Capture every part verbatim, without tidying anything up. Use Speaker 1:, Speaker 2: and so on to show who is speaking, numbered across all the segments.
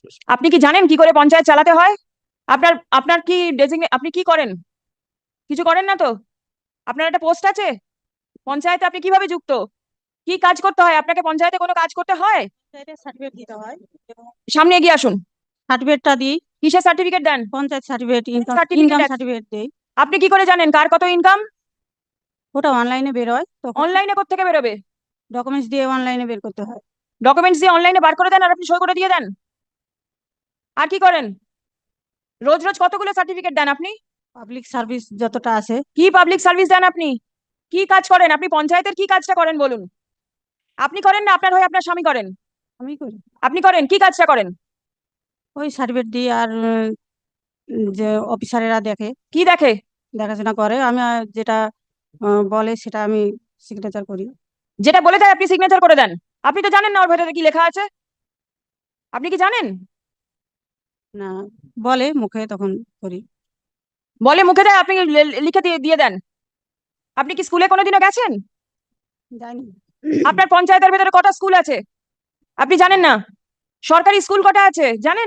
Speaker 1: আপনি কি জানেন কি করে পঞ্চায়েত চালাতে হয়? আপনার আপনার কি ডেজিগনে আপনি কি করেন? কিছু করেন না তো? আপনার একটা পোস্ট আছে পঞ্চায়েতে, আপনি কিভাবে যুক্ত? কি কাজ করতে হয় আপনাকে? পঞ্চায়েতে কোনো কাজ করতে হয়?
Speaker 2: সার্টিফিকেট দিতে হয়।
Speaker 1: সামনে এগিয়ে আসুন।
Speaker 2: সার্টিফিকেটটা দিই।
Speaker 1: কিসের সার্টিফিকেট দেন?
Speaker 2: Panchayat certificate, income
Speaker 1: certificate
Speaker 2: income
Speaker 1: আছে।
Speaker 2: সার্টিফিকেট দেই।
Speaker 1: আপনি কি করে জানেন কার কত ইনকাম?
Speaker 2: ওটা অনলাইনে বের হয়, তখন
Speaker 1: অনলাইনে কোত্থেকে বেরোবে?
Speaker 2: ডকুমেন্টস দিয়ে অনলাইনে বের করতে হয়।
Speaker 1: ডকুমেন্টস দিয়ে অনলাইনে বার করে দেন আর আপনি সই করে দিয়ে দেন। আর কি করেন? রোজ রোজ কতগুলো সার্টিফিকেট দেন আপনি?
Speaker 2: পাবলিক সার্ভিস যতটা আছে।
Speaker 1: কি পাবলিক সার্ভিস দেন আপনি? কি কাজ করেন আপনি? পঞ্চায়েতের কি কাজটা করেন বলুন? আপনি করেন না আপনার হয়ে আপনার স্বামী করেন?
Speaker 2: আমি করি।
Speaker 1: আপনি করেন, কি কাজটা করেন?
Speaker 2: ওই সার্টিফিকেট দিই, আর উম, যে অফিসারেরা দেখে,
Speaker 1: কি দেখে?
Speaker 2: দেখাশোনা করে। আমি আর যেটা আহ, বলে সেটা আমি সিগনেচার করি।
Speaker 1: যেটা বলে দেয় আপনি সিগনেচার করে দেন? আপনি তো জানেন না ওর ভেতরে কি লেখা আছে। আপনি কি জানেন?
Speaker 2: না, বলে মুখে, তখন করি।
Speaker 1: বলে মুখে দেয়, আপনি লে- লিখে দিয়ে দিয়ে দেন? আপনি কি স্কুলে কোনোদিনও গেছেন?
Speaker 2: জানি।
Speaker 1: আপনার পঞ্চায়েতের ভেতরে কটা স্কুল আছে আপনি জানেন না? সরকারি স্কুল কটা আছে জানেন?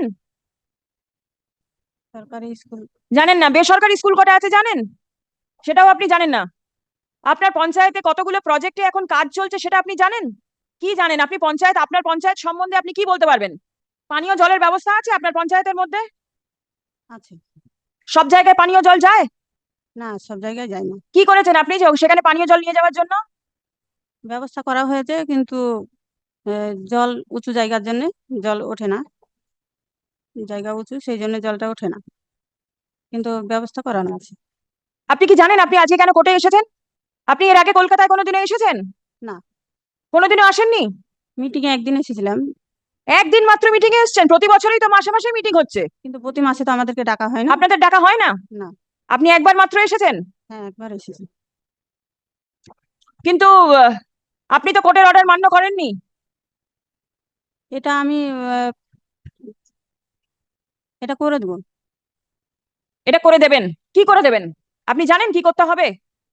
Speaker 2: সরকারি স্কুল।
Speaker 1: জানেন না। বেসরকারি স্কুল কটা আছে জানেন? সেটাও আপনি জানেন না। আপনার পঞ্চায়েতে কতগুলো প্রজেক্টে এখন কাজ চলছে সেটা আপনি জানেন? কি জানেন আপনি? পঞ্চায়েত, আপনার পঞ্চায়েত সম্বন্ধে আপনি কি বলতে পারবেন? পানীয় জলের ব্যবস্থা আছে আপনার পঞ্চায়েতের মধ্যে?
Speaker 2: আছে।
Speaker 1: সব জায়গায় পানীয় জল যায়?
Speaker 2: না, সব জায়গায় যায় না।
Speaker 1: কি করেছেন আপনি যে সেখানে পানীয় জল নিয়ে যাওয়ার জন্য?
Speaker 2: ব্যবস্থা করা হয়েছে, কিন্তু আহ, জল উঁচু জায়গার জন্য জল ওঠে না। জায়গা উঁচু, সেই জন্য জলটা ওঠে না, কিন্তু ব্যবস্থা করানো আছে।
Speaker 1: আপনি কি জানেন আপনি আজকে কেন কোর্টে এসেছেন? আপনি এর আগে কলকাতায় কোনোদিনও এসেছেন?
Speaker 2: না,
Speaker 1: কোনোদিনও আসেননি?
Speaker 2: মিটিং এ একদিন এসেছিলাম।
Speaker 1: একদিন মাত্র মিটিং এ এসেছেন? প্রতি বছরই তো মাসে মাসে মিটিং হচ্ছে।
Speaker 2: কিন্তু প্রতি মাসে তো আমাদেরকে ডাকা হয় না।
Speaker 1: আপনাদের ডাকা হয় না?
Speaker 2: না।
Speaker 1: আপনি একবার মাত্র এসেছেন।
Speaker 2: হ্যাঁ, একবার এসেছি।
Speaker 1: কিন্তু আহ, আপনি তো কোর্টের অর্ডার মান্য করেননি।
Speaker 2: এটা আমি আহ, এটা করে দেবো।
Speaker 1: এটা করে দেবেন? কি করে দেবেন? আপনি জানেন কি করতে হবে?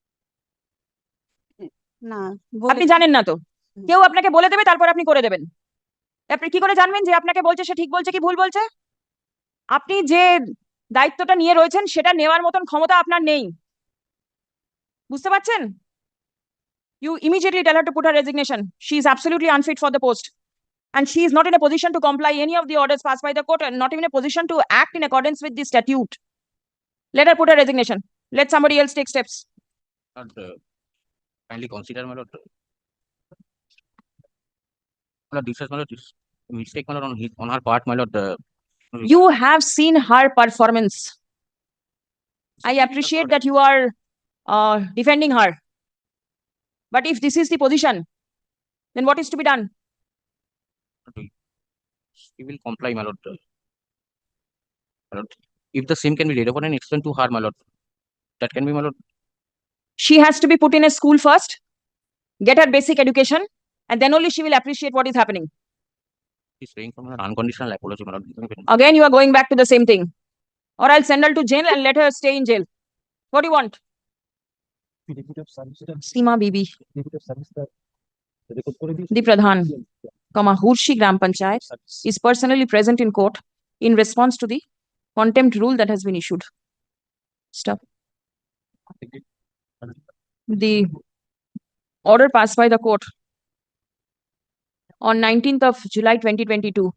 Speaker 2: না, বলে
Speaker 1: আপনি
Speaker 2: দেবো।
Speaker 1: জানেন না তো?
Speaker 2: হুম।
Speaker 1: কেউ আপনাকে বলে দেবে, তারপর আপনি করে দেবেন। আপনি কি করে জানবেন যে আপনাকে বলছে সে ঠিক বলছে কি ভুল বলছে? আপনি যে দায়িত্বটা নিয়ে রয়েছেন সেটা নেওয়ার মতন ক্ষমতা আপনার নেই। বুঝতে পারছেন? You immediately tell her to put her resignation. She is absolutely unfit for the post. And she is not in a position to comply any of the orders passed by the court, and not even a position to act in accordance with the statute. Let her put her resignation. Let somebody else take steps.
Speaker 3: Not uh, kindly consider, my lord. My lord, this is my lord, this mistake, my lord, on his on her part, my lord. Uh,
Speaker 1: You have seen her performance. I appreciate that you are uh, defending her. But if this is the position, then what is to be done?
Speaker 3: He will comply, my lord. Uh, my lord. If the same can be laid upon and explained to her, my lord, that can be, my lord.
Speaker 1: She has to be put in a school first, get her basic education, and then only she will appreciate what is happening.
Speaker 3: He's praying for an unconditional apology, my lord.
Speaker 1: Again, you are going back to the same thing. Or I'll send her to jail and let her stay in jail. What do you want? Seema Bibi, the Pradhan, comma, Hurshi Gram Panchayat, is personally present in court in response to the contempt rule that has been issued. Stop. The order passed by the court on nineteenth of July twenty twenty-two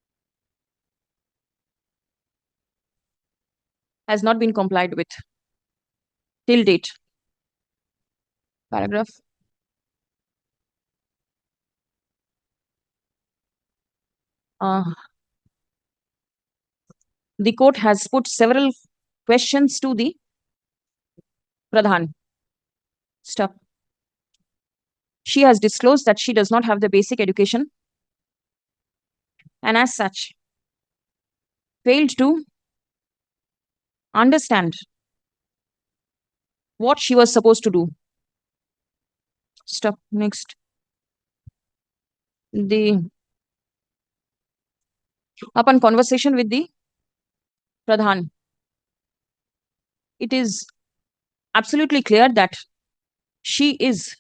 Speaker 1: has not been complied with till date. Paragraph. Uh, the court has put several questions to the Pradhan. Stop. She has disclosed that she does not have the basic education and as such failed to understand what she was supposed to do. Stop. Next. The upon conversation with the Pradhan, it is absolutely clear that she is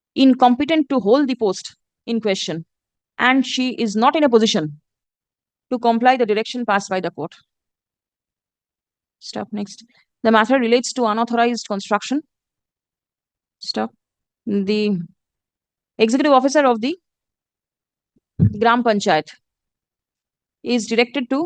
Speaker 1: incompetent to hold the post in question, and she is not in a position to comply the direction passed by the court. Stop. Next. The matter relates to unauthorized construction. Stop. The executive officer of the Gram Panchayat is directed to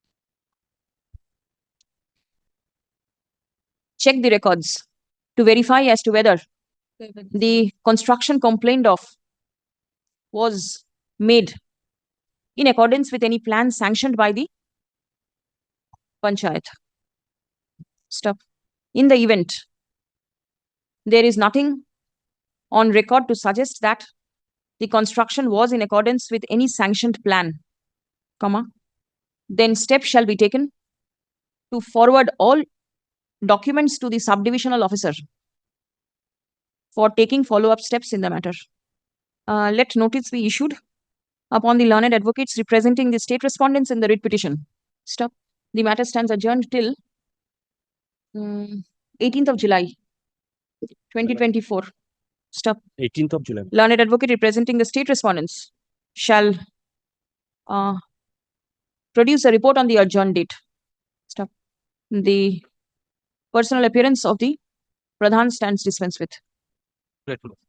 Speaker 1: check the records to verify as to whether the construction complained of was made in accordance with any plan sanctioned by the Panchayat. Stop. In the event there is nothing on record to suggest that the construction was in accordance with any sanctioned plan, comma, then steps shall be taken to forward all documents to the subdivisional officer for taking follow-up steps in the matter. Uh, let notice be issued upon the learned advocates representing the state respondents in the writ petition. Stop. The matter stands adjourned till um, eighteenth of July, twenty twenty-four. Stop.
Speaker 4: eighteenth of July.
Speaker 1: Learned advocate representing the state respondents shall uh, produce a report on the adjourned date. Stop. The personal appearance of the Pradhan stands dispensed with.
Speaker 3: Grateful.